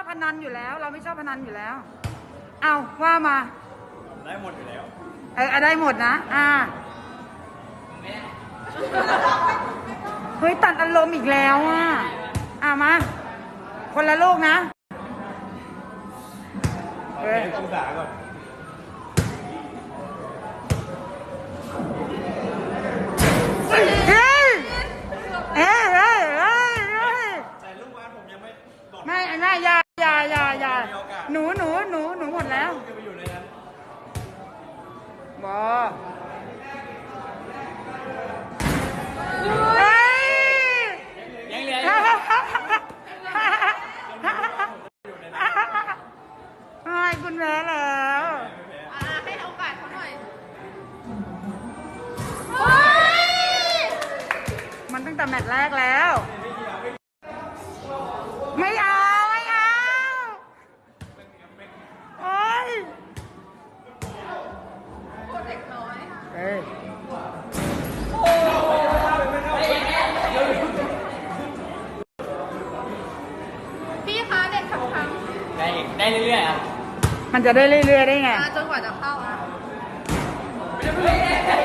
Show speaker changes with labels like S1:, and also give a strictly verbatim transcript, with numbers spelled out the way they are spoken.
S1: พนันอยู่แล้ว เราไม่ชอบพนันอยู่แล้วเอาว่ามา
S2: ได้หมดอยู่แล้ว
S1: เออได้หมดนะอ่าเฮ้ยตัดอารมณ์อีกแล้วอ่ะอ่ามาคนละลูกนะ
S2: เฮ้ยองศาก่อน
S1: เฮ้ยเฮ้ยเฮ้ยเฮ้ย
S2: แต่ลูกบ้านผมยังไม่
S1: ไม่ไม่ยายายายาหนูหนูหนูหนูหมดแล้วบอเฮ้ย
S2: ยังเหลือ
S1: ให้คุณแพ้แล้ว
S3: ให้โอกาสเขาหน่อย
S1: มันตั้งแต่แมตช์แรกแล้วไม่เอาไม่เอาโอ้ย
S3: เด็กน้อย
S1: เอ้ย
S3: พี่คะเด็กคำคำ
S2: ได้ได้เรื่อยๆครับ
S1: มันจะได้เรื่อยๆได้ไง
S3: จนกว่าจะเข้าอ่ะ